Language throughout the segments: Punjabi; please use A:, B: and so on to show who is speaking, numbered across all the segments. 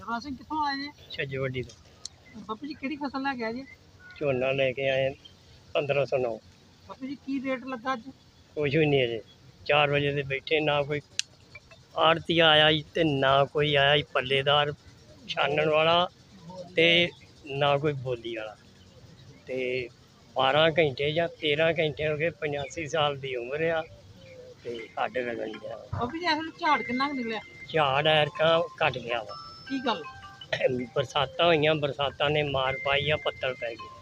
A: ਸਰਦਾਰ ਸਿੰਘ ਕਿੱਥੋਂ ਆਏ ਜੀ?
B: ਛੱਜਵੱਡੀ ਤੋਂ
A: ਬਾਪੂ ਜੀ ਕਿਹੜੀ ਫਸਲ ਲੈ ਕੇ ਆਏ ਜੀ?
B: ਝੋਨਾ ਲੈ ਕੇ ਆਏ 1509।
A: ਬਾਪੂ ਜੀ ਕੀ ਰੇਟ ਲੱਗਾ ਅੱਜ?
B: ਕੁਛ ਵੀ ਨਹੀਂ ਅਜੇ 4 ਵਜੇ ਦੇ ਬੈਠੇ, ਨਾ ਕੋਈ ਆੜਤੀਆ ਆਇਆ ਜੀ ਤੇ ਨਾ ਕੋਈ ਆਇਆ ਜੀ ਪੱਲੇਦਾਰ ਛਾਨਣ ਵਾਲਾ ਤੇ ਨਾ ਕੋਈ ਬੋਲੀ ਵਾਲਾ। ਤੇ 12 ਘੰਟੇ ਜਾਂ 13 ਘੰਟੇ ਹੋ ਗਏ, 85 ਸਾਲ ਦੀ ਉਮਰ ਆ ਤੇ ਹੱਡ ਰਗੜ ਗਿਆ।
A: ਬਾਪੂ ਜੀ ਇਸ ਝਾੜ ਕਿੰਨਾ ਕੁ ਨਿਕਲਿਆ?
B: ਝਾੜ ਐਰਕਾਂ ਘੱਟ ਗਿਆ ਵਾ।
A: ਕੀ ਗੱਲ?
B: ਬਰਸਾਤਾਂ ਹੋਈਆਂ, ਬਰਸਾਤਾਂ ਨੇ ਮਾਰ ਪਾਈ ਆ, ਪੱਤਲ ਪੈ ਗਏ।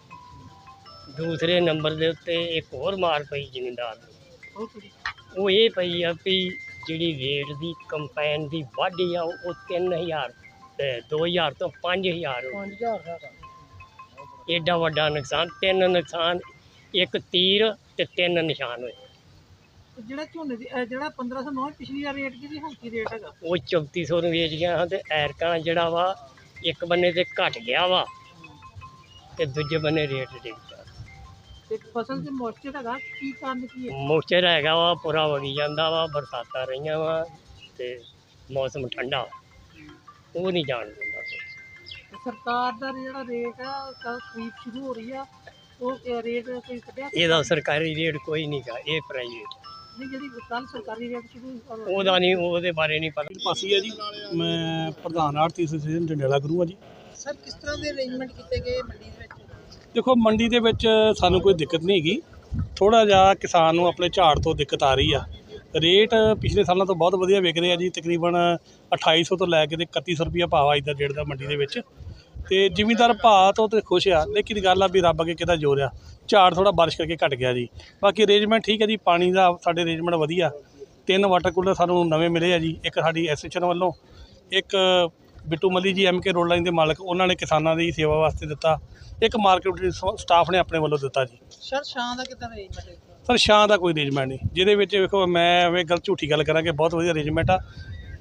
B: ਦੂਸਰੇ ਨੰਬਰ ਦੇ ਉੱਤੇ ਇੱਕ ਹੋਰ ਮਾਰ ਪਈ ਜ਼ਿਮੀਂਦਾਰ ਨੂੰ, ਉਹ ਇਹ ਪਈ ਆ ਵੀ ਜਿਹੜੀ ਰੇਟ ਦੀ ਕੰਪੈਨ ਦੀ ਵਾਢੀ ਆ ਉਹ 3000 2000 ਤੋਂ 5000 ਹੋ ਗਈ। ਏਡਾ ਵੱਡਾ ਨੁਕਸਾਨ, 3 ਨੁਕਸਾਨ, ਇੱਕ ਤੀਰ ਤੇ 3 ਨਿਸ਼ਾਨ ਹੋਏ।
A: ਜਿਹੜਾ ਝੋਨੇ ਦੀ ਜਿਹੜਾ 1509 ਪਿਛਲੀ ਵਾਰ ਰੇਟ ਕੀ ਹੁਣ ਕੀ ਰੇਟ ਹੈਗਾ?
B: ਉਹ 3400 ਨੂੰ ਵੇਚ ਗਿਆ ਹਾਂ ਤੇ ਐਰਕਾਂ ਜਿਹੜਾ ਵਾ ਇੱਕ ਬੰਨੇ ਤੇ ਘਟ ਗਿਆ ਵਾ ਤੇ ਦੂਜੇ ਬੰਨੇ ਰੇਟ ਡਿੱਗ ਪਿਆ।
A: ਤੇ ਫਸਲ ਤੇ ਮੋਇਸਚਰ ਹੈਗਾ, ਕੀ ਕਾਰਨ ਕੀ ਹੈ?
B: ਮੋਇਸਚਰ ਹੈਗਾ ਵਾ, ਪੂਰਾ ਵਗੀ ਜਾਂਦਾ ਵਾ, ਬਰਸਾਤਾਂ ਰਹੀਆਂ ਵਾ ਤੇ ਮੌਸਮ ਠੰਡਾ, ਉਹ ਨਹੀਂ ਜਾਣ ਦਿੰਦਾ।
A: ਸਰਕਾਰ ਦਾ ਜਿਹੜਾ ਰੇਟ ਆ ਖਰੀਦ ਸ਼ੁਰੂ ਹੋ ਰਹੀ ਆ, ਉਹ ਰੇਟ ਕੋਈ ਕੱਢਿਆ?
B: ਇਹਦਾ ਸਰਕਾਰੀ ਰੇਟ ਕੋਈ ਨਹੀਂ ਗਾ, ਇਹ ਪ੍ਰਾਈਵੇਟ।
A: ਨਹੀਂ, ਜਿਹੜੀ ਕੱਲ ਸਰਕਾਰੀ ਰੇਟ ਸ਼ੁਰੂ
B: ਉਹਦਾ ਨਹੀਂ, ਉਹਦੇ ਬਾਰੇ ਨਹੀਂ ਪਤਾ।
C: ਪਾਸੀ ਹੈ ਜੀ, ਮੈਂ ਪ੍ਰਧਾਨ ਆੜ੍ਹਤੀ ਐਸੋਸੀਏਸ਼ਨ ਜੰਡਿਆਲਾ ਗੁਰੂ ਹਾਂ ਜੀ।
A: ਸਰ, ਕਿਸ ਤਰ੍ਹਾਂ ਦੇ ਅਰੇਂਜਮੈਂਟ ਕੀਤੇ ਗਏ ਮੰਡੀ ਦੇ ਵਿੱਚ?
C: ਦੇਖੋ, ਮੰਡੀ ਦੇ ਵਿੱਚ ਸਾਨੂੰ ਕੋਈ ਦਿੱਕਤ ਨਹੀਂ ਹੈਗੀ, ਥੋੜ੍ਹਾ ਜਿਹਾ ਕਿਸਾਨ ਨੂੰ ਆਪਣੇ ਝਾੜ ਤੋਂ ਦਿੱਕਤ ਆ ਰਹੀ ਆ। ਰੇਟ ਪਿਛਲੇ ਸਾਲਾਂ ਤੋਂ ਬਹੁਤ ਵਧੀਆ ਵਿਕ ਰਿਹਾ ਜੀ, ਤਕਰੀਬਨ 2800 ਤੋਂ ਲੈ ਕੇ ਤੇ 3100 ਰੁਪਈਆ ਭਾਅ ਅੱਜ ਦਾ ਰੇਟ ਦਾ ਮੰਡੀ ਦੇ ਵਿੱਚ। ਤੇ ਜ਼ਿਮੀਂਦਾਰ ਭਾਅ ਤੋਂ ਤੇ ਖੁਸ਼ ਆ, ਲੇਕਿਨ ਗੱਲ ਆ ਵੀ ਰੱਬ ਅੱਗੇ ਕਿਹਦਾ ਜ਼ੋਰ ਆ, ਝਾੜ ਥੋੜ੍ਹਾ ਬਾਰਿਸ਼ ਕਰਕੇ ਘਟ ਗਿਆ ਜੀ। ਬਾਕੀ ਅਰੇਂਜਮੈਂਟ ਠੀਕ ਹੈ ਜੀ, ਪਾਣੀ ਦਾ ਸਾਡੇ ਅਰੇਂਜਮੈਂਟ ਵਧੀਆ। 3 ਵਾਟਰ ਕੂਲਰ ਸਾਨੂੰ ਨਵੇਂ ਮਿਲੇ ਆ ਜੀ, ਇੱਕ ਸਾਡੀ ਐਸੋਸੀਏਸ਼ਨ ਵੱਲੋਂ, ਇੱਕ ਬਿੱਟੂ ਮੱਲੀ ਜੀ MK ਰੋਡ ਲਾਈਨ ਦੇ ਮਾਲਕ, ਉਹਨਾਂ ਨੇ ਕਿਸਾਨਾਂ ਦੀ ਸੇਵਾ ਵਾਸਤੇ ਦਿੱਤਾ, ਇੱਕ ਮਾਰਕੀਟ ਸਟਾਫ ਨੇ ਆਪਣੇ ਵੱਲੋਂ ਦਿੱਤਾ ਜੀ।
A: ਸਰ, ਛਾਂ ਦਾ ਕਿੱਦਾਂ ਅਰੇਂਜਮੈਂਟ ਹੈ?
C: ਸਰ, ਛਾਂ ਦਾ ਕੋਈ ਅਰੇਂਜਮੈਂਟ ਨਹੀਂ, ਜਿਹਦੇ ਵਿੱਚ ਵੇਖੋ ਮੈਂ ਐਵੇਂ ਝੂਠੀ ਗੱਲ ਕਰਾਂ ਕਿ ਬਹੁਤ ਵਧੀਆ ਅਰੇਂਜਮੈਂਟ ਆ।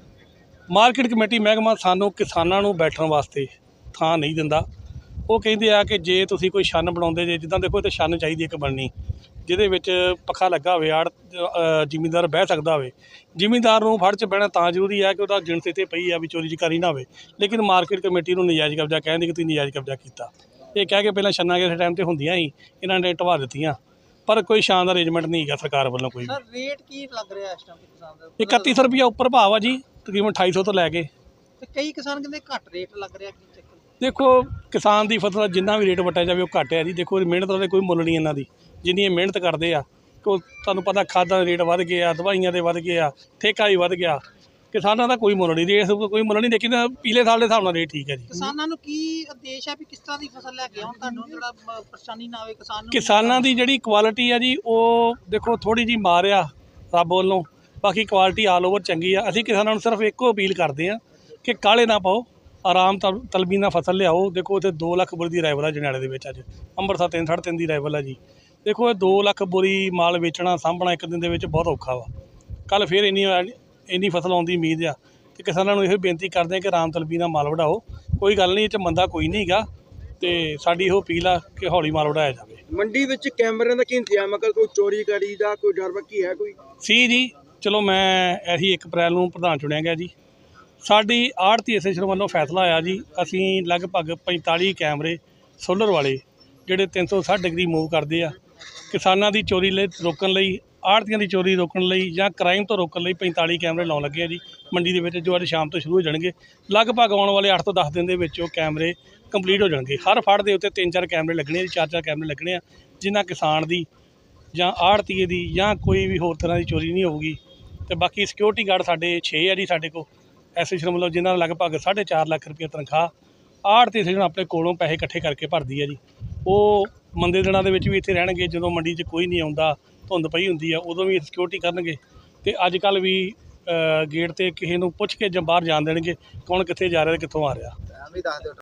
C: ਮਾਰਕੀਟ ਕਮੇਟੀ ਮਹਿਕਮਾ ਸਾਨੂੰ ਕਿਸਾਨਾਂ ਨੂੰ ਬੈਠਣ ਵਾਸਤੇ ਥਾਂ ਨਹੀਂ ਦਿੰਦਾ। ਉਹ ਕਹਿੰਦੇ ਆ ਕਿ ਜੇ ਤੁਸੀਂ ਕੋਈ ਛੰਨ ਬਣਾਉਂਦੇ ਜੇ, ਜਿੱਦਾਂ ਦੇਖੋ ਇੱਥੇ ਛੰਨ ਚਾਹੀਦੀ ਇੱਕ ਬਣਨੀ, ਜਿਹਦੇ ਵਿੱਚ ਪੱਖਾ ਲੱਗਾ ਹੋਵੇ, ਜ਼ਿਮੀਂਦਾਰ ਬਹਿ ਸਕਦਾ ਹੋਵੇ। ਜ਼ਿਮੀਂਦਾਰ ਨੂੰ ਫੜ 'ਚ ਬਹਿਣਾ ਤਾਂ ਜ਼ਰੂਰੀ ਹੈ ਕਿ ਉਹਦਾ ਜਿਣਸ ਇੱਥੇ ਪਈ ਆ ਵੀ ਚੋਰੀ ਚਕਾਰੀ ਨਾ ਹੋਵੇ, ਲੇਕਿਨ ਮਾਰਕੀਟ ਕਮੇਟੀ ਨੂੰ ਨਜਾਇਜ਼ ਕਬਜ਼ਾ ਕਹਿੰਦੇ ਕਿ ਤੁਸੀਂ ਨਜਾਇਜ਼ ਕਬਜ਼ਾ ਕੀਤਾ। ਇਹ ਕਹਿ ਕੇ ਪਹਿਲਾਂ ਛੰਨਾਂ ਕਿਸੇ ਟਾਈਮ 'ਤੇ ਹੁੰਦੀਆਂ ਸੀ, ਇਹਨਾਂ ਨੇ ਢਵਾ ਦਿੱਤੀਆਂ, ਪਰ ਕੋਈ ਛਾਂ ਦਾ ਅਰੇਂਜਮੈਂਟ ਨਹੀਂ ਹੈਗਾ ਸਰਕਾਰ ਵੱਲੋਂ ਕੋਈ।
A: ਸਰ, ਰੇਟ ਕੀ ਲੱਗ ਰਿਹਾ ਇਸ ਟਾਈਮ ਕਿਸਾਨ ਦਾ?
C: 3100 ਰੁਪਈਆ ਉੱਪਰ ਭਾਅ ਆ ਜੀ, ਤਕਰੀਬਨ 2800 ਤੋਂ ਲੈ ਕੇ।
A: ਤੇ ਕਈ ਕਿਸਾਨ ਕਹਿੰਦੇ ਘੱਟ ਰੇਟ ਲੱਗ ਰਿਹਾ, ਕੀ ਚੱਕਰ?
C: ਦੇਖੋ, ਕਿਸਾਨ ਦੀ ਫਸਲ ਜਿੰਨਾ ਵੀ ਰੇਟ ਵਟਿਆ ਜਾਵੇ ਉਹ ਘੱਟ ਹੈ ਜੀ। ਦੇਖੋ, ਮਿਹਨਤ ਦਾ ਕੋਈ ਮੁੱਲ ਨਹੀਂ ਇਹਨਾਂ ਦੀ, ਜਿੰਨੀ ਇਹ ਮਿਹਨਤ ਕਰਦੇ ਆ। ਤੁਹਾਨੂੰ ਪਤਾ ਖਾਦਾਂ ਦੇ ਰੇਟ ਵੱਧ ਗਏ ਆ, ਦਵਾਈਆਂ ਦੇ ਵੱਧ ਗਏ ਆ, ਠੇਕਾ ਵੀ ਵੱਧ ਗਿਆ। ਕਿਸਾਨਾਂ ਦਾ ਕੋਈ ਮੁੱਲ ਨਹੀਂ, ਰੇਟ ਕੋਈ ਮੁੱਲ ਨਹੀਂ, ਲੇਕਿਨ ਪਿਛਲੇ ਸਾਲ ਦੇ ਹਿਸਾਬ ਨਾਲ ਰੇਟ ਠੀਕ ਹੈ ਜੀ।
A: ਕਿਸਾਨਾਂ ਨੂੰ ਕੀ ਉਦੇਸ਼ ਹੈ ਵੀ ਕਿਸ ਤਰ੍ਹਾਂ ਦੀ ਫਸਲ ਲੈ ਕੇ ਆਉਣ, ਤੁਹਾਨੂੰ ਜਿਹੜਾ ਪਰੇਸ਼ਾਨੀ ਨਾ ਆਵੇ ਕਿਸਾਨ ਨੂੰ?
C: ਕਿਸਾਨਾਂ ਦੀ ਜਿਹੜੀ ਕੁਆਲਿਟੀ ਆ ਜੀ, ਉਹ ਦੇਖੋ ਥੋੜ੍ਹੀ ਜਿਹੀ ਮਾਰ ਆ ਰੱਬ ਵੱਲੋਂ, ਬਾਕੀ ਕੁਆਲਿਟੀ ਆਲ ਓਵਰ ਚੰਗੀ ਆ। ਅਸੀਂ ਕਿਸਾਨਾਂ ਨੂੰ ਸਿਰਫ ਇੱਕੋ ਅਪੀਲ ਕਰਦੇ ਹਾਂ ਕਿ ਕਾਹਲੇ ਨਾ ਪਾਓ, ਆਰਾਮ ਤਲਬੀ ਨਾਲ ਫਸਲ ਲਿਆਓ। ਦੇਖੋ, ਇੱਥੇ 2 ਲੱਖ ਬੋਰੀ ਦੀ ਰਾਈਵਲ ਆ ਜੰਡਿਆਲੇ ਦੇ ਵਿੱਚ, ਅੱਜ ਅੰਮ੍ਰਿਤਸਰ 3 ਸਾਢੇ 3 ਦੀ ਰਾਈਵਲ ਆ ਜੀ। ਦੇਖੋ, ਇਹ 2 ਲੱਖ ਬੋਰੀ ਮਾਲ ਵੇਚਣਾ ਸਾਂਭਣਾ ਇੱਕ ਦਿਨ ਦੇ ਵਿੱਚ ਬਹੁਤ ਔਖਾ ਵਾ। ਕੱਲ੍ਹ ਫਿਰ ਇੰਨੀ ਫਸਲ ਆਉਣ ਦੀ ਉਮੀਦ ਆ, ਅਤੇ ਕਿਸਾਨਾਂ ਨੂੰ ਇਹੋ ਬੇਨਤੀ ਕਰਦੇ ਹਾਂ ਕਿ ਆਰਾਮ ਤਲਬੀ ਨਾਲ ਮਾਲ ਵਢਾਓ। ਕੋਈ ਗੱਲ ਨਹੀਂ, ਇਹ 'ਚ ਮੰਦਾ ਕੋਈ ਨਹੀਂ ਹੈਗਾ, ਅਤੇ ਸਾਡੀ ਇਹੋ ਅਪੀਲ ਆ ਕਿ ਹੌਲੀ ਮਾਲ ਵਢਾਇਆ ਜਾਵੇ।
D: ਮੰਡੀ ਵਿੱਚ ਕੈਮਰਿਆਂ ਦਾ ਕੀ ਇੰਤਜ਼ਾਮ ਹੈ? ਕੋਈ ਚੋਰੀ ਕਰੀ ਦਾ ਕੋਈ ਡਰ ਬੱਕੀ ਹੈ ਕੋਈ?
C: ਸੀ ਜੀ, ਚਲੋ ਮੈਂ ਇਹੀ 1 ਅਪ੍ਰੈਲ ਨੂੰ ਪ੍ਰਧਾਨ ਚੁਣਿਆ ਗਿਆ ਜੀ। ਸਾਡੀ ਆੜ੍ਹਤੀ ਐਸੋਸੀਏਸ਼ਨ ਵੱਲੋਂ ਫੈਸਲਾ ਆਇਆ ਜੀ, ਅਸੀਂ ਲਗਭਗ 45 ਕੈਮਰੇ ਸੋਲਰ ਵਾਲੇ ਜਿਹੜੇ 360 ਡਿਗਰੀ ਮੂਵ ਕਰਦੇ ਆ, ਕਿਸਾਨਾਂ ਦੀ ਚੋਰੀ ਰੋਕਣ ਲਈ, ਆੜ੍ਹਤੀਆਂ ਦੀ ਚੋਰੀ ਰੋਕਣ ਲਈ ਜਾਂ ਕ੍ਰਾਈਮ ਤੋਂ ਰੋਕਣ ਲਈ 45 ਕੈਮਰੇ ਲਾਉਣ ਲੱਗੇ ਆ ਜੀ ਮੰਡੀ ਦੇ ਵਿੱਚ, ਜੋ ਅੱਜ ਸ਼ਾਮ ਤੋਂ ਸ਼ੁਰੂ ਹੋ ਜਾਣਗੇ। ਲਗਭਗ ਆਉਣ ਵਾਲੇ 8 ਤੋਂ 10 ਦਿਨ ਦੇ ਵਿੱਚ ਉਹ ਕੈਮਰੇ ਕੰਪਲੀਟ ਹੋ ਜਾਣਗੇ। ਹਰ ਫੜ ਦੇ ਉੱਤੇ 3-4 ਕੈਮਰੇ ਲੱਗਣੇ ਆ ਜੀ, 4-4 ਕੈਮਰੇ ਲੱਗਣੇ ਆ, ਜਿਨ੍ਹਾਂ ਕਿਸਾਨ ਦੀ ਜਾਂ ਆੜ੍ਹਤੀਏ ਦੀ ਜਾਂ ਕੋਈ ਵੀ ਹੋਰ ਤਰ੍ਹਾਂ ਦੀ ਚੋਰੀ ਨਹੀਂ ਹੋਊਗੀ। ਅਤੇ ਬਾਕੀ ਸਿਕਿਉਰਿਟੀ ਗਾਰਡ ਸਾਡੇ 6 ਆ ਜੀ ਸਾਡੇ ਕੋਲ ਐਸੋਸੀਏਸ਼ਨ ਵੱਲੋਂ, ਜਿਨ੍ਹਾਂ ਦਾ ਲਗਭਗ 4.5 ਲੱਖ ਰੁਪਏ ਤਨਖਾਹ ਆੜ੍ਹਤੀ ਐਸੋਸੀਏਸ਼ਨ ਆਪਣੇ ਕੋਲੋਂ ਪੈਸੇ ਇਕੱਠੇ ਕਰਕੇ ਭਰਦੀ ਹੈ ਜੀ। ਉਹ ਮੰਦੇ ਦਿਨਾਂ ਦੇ ਵਿੱਚ ਵੀ ਇੱਥੇ ਰਹਿਣਗੇ, ਜਦੋਂ ਮੰਡੀ 'ਚ ਕੋਈ ਨਹੀਂ ਆਉਂਦਾ, ਧੁੰਦ ਪਈ ਹੁੰਦੀ ਆ, ਉਦੋਂ ਵੀ ਸਿਕਿਉਰਿਟੀ ਕਰਨਗੇ। ਅਤੇ ਅੱਜ ਕੱਲ੍ਹ ਵੀ ਗੇਟ 'ਤੇ ਕਿਸੇ ਨੂੰ ਪੁੱਛ ਕੇ ਜਾਂ ਬਾਹਰ ਜਾਣ ਦੇਣਗੇ ਕੌਣ ਕਿੱਥੇ ਜਾ ਰਿਹਾ ਅਤੇ ਕਿੱਥੋਂ ਆ ਰਿਹਾ।